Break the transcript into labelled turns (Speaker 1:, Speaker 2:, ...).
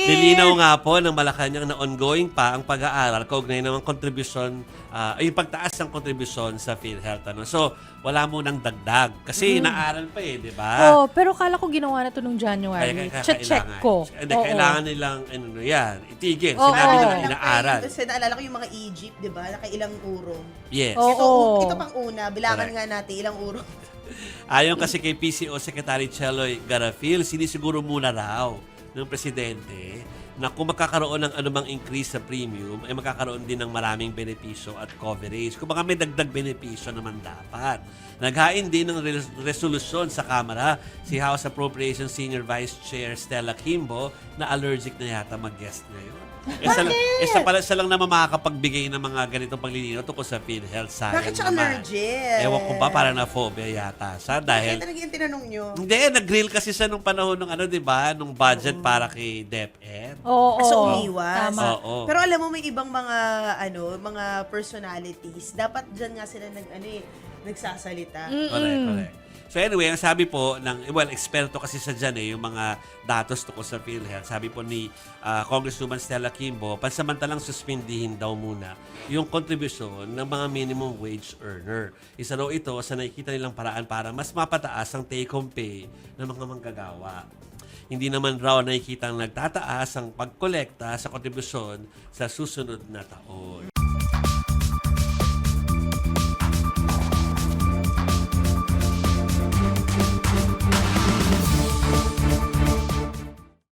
Speaker 1: Nilinaw nga po ng Malacanang na ongoing pa ang pag-aaral kaugnay ng kontribusyon, yung pagtaas ng kontribusyon sa PhilHealth. Ano? So, wala munang dagdag. Kasi inaaral pa di ba?
Speaker 2: Oh, pero kala ko ginawa na to nung January. Check ko.
Speaker 1: Hindi, kailangan nilang, itigil.
Speaker 2: Oo.
Speaker 1: Sinabi nila
Speaker 2: Oo.
Speaker 1: inaaral.
Speaker 3: Kasi naalala ko yung mga Egypt, di ba? Nakailang urong.
Speaker 1: Yes.
Speaker 2: Oo.
Speaker 3: Ito pang una, bilangan
Speaker 1: Correct.
Speaker 3: nga natin ilang urong.
Speaker 1: Ayon kasi kay PCO Secretary Cheloy Garafil, sinisiguro muna raw ng presidente na kung magkakaroon ng anumang increase sa premium, ay magkakaroon din ng maraming benepisyo at coverage. Kung baka may dagdag benepisyo naman dapat. Naghain din ng resolusyon sa Kamara si House Appropriations Senior Vice Chair Stella Kimbo na allergic na yata mag-guest ngayon. Siya lang naman makakapagbigay ng mga ganitong paglilinaw tungkol sa PhilHealth. Sayang
Speaker 3: Bakit siya
Speaker 1: naman.
Speaker 3: allergic?
Speaker 1: Ewan ko ba, parang na-phobia yata siya dahil...
Speaker 3: Bakit talaga yung tinanong nyo?
Speaker 1: Hindi, nag-grill kasi siya nung panahon ng di ba, nung budget para kay DepEd.
Speaker 2: Oo.
Speaker 3: So, umiwas.
Speaker 2: Tama.
Speaker 1: Oo.
Speaker 3: Pero alam mo, may ibang mga personalities. Dapat dyan nga sila nagsasalita.
Speaker 1: Correct. So anyway, ang sabi po ng, eksperto kasi sa dyan yung mga datos tungkol sa PhilHealth. Sabi po ni Congresswoman Stella Kimbo, pansamantalang suspindihin daw muna yung kontribusyon ng mga minimum wage earner. Isa raw ito sa nakikita nilang paraan para mas mapataas ang take-home pay ng mga manggagawa. Hindi naman raw nakikita ang nagtataas ang pagkolekta sa kontribusyon sa susunod na taon.